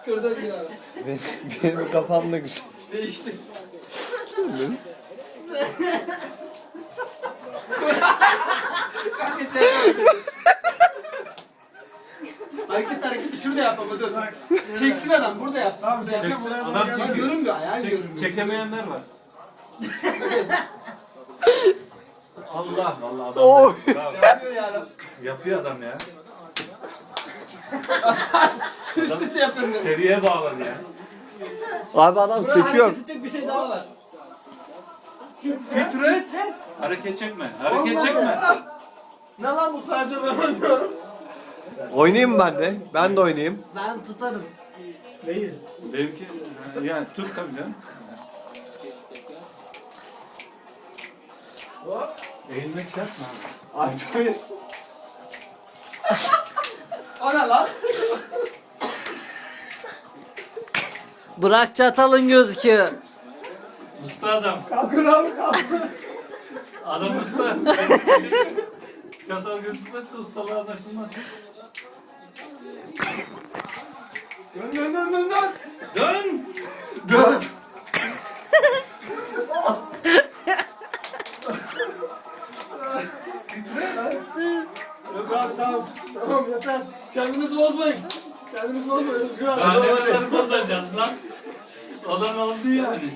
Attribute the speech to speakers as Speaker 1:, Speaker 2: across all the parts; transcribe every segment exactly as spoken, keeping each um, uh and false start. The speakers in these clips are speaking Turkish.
Speaker 1: Kırda gir abi.
Speaker 2: Benim, benim kafam da güzel.
Speaker 1: Değişti. Hareket hareketi şurada yap baba dur. Çeksin adam burada yap. Burada yap.
Speaker 3: Çeksin.
Speaker 1: Adam
Speaker 3: Adam
Speaker 1: çek.
Speaker 3: çek-
Speaker 1: Görünmüyor ayağın
Speaker 3: Çek-
Speaker 1: görünmüyor.
Speaker 3: çekemeyenler var. Allah vallahi adam.
Speaker 2: Oy.
Speaker 3: Bravo.
Speaker 1: Yapıyor ya.
Speaker 3: Yapıyor adam ya.
Speaker 1: Üst üste yapıyorum.
Speaker 3: Seriye bağladı ya.
Speaker 2: Abi adam
Speaker 1: Burada
Speaker 2: sekiyor.
Speaker 1: hareket edecek bir şey daha var.
Speaker 3: Fitret. Hareket çekme. Hareket çekme.
Speaker 1: Ne lan bu sadece ben diyorum.
Speaker 2: Oynayayım mı ben de? Ben de oynayayım.
Speaker 1: Ben tutarım.
Speaker 3: Değil. Benimki yani tut tabii canım. Eğilmek şart mı abi?
Speaker 2: Ay tabii.
Speaker 1: O ne lan?
Speaker 4: Bırak çatalın gözüküyor.
Speaker 3: Usta adam.
Speaker 1: Kalkın abi kalkın.
Speaker 3: Adam usta. Çatal gözükmezse ustalığı anlaşılmaz.
Speaker 1: Dön dön dön dön dön.
Speaker 3: Dön.
Speaker 1: Dön. Yok abi tamam. Tamam yeter. Kendinizi bozmayın. Kendinizi bozmayın Özgür abi.
Speaker 3: Daha ne
Speaker 1: Tamam, hadi.
Speaker 3: kadar bozacağız lan? Adam oldu yani.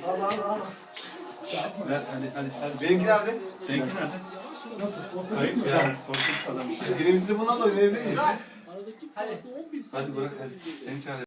Speaker 3: Ver hadi hadi hadi.
Speaker 2: Benimki nerede?
Speaker 3: Seninki nerede? Nasıl? Hayır ya. Korkunç adam.
Speaker 2: İşte elimizde buna da oynayabilir miyiz?
Speaker 1: Hadi.
Speaker 3: Hadi bırak hadi. Seni çağır.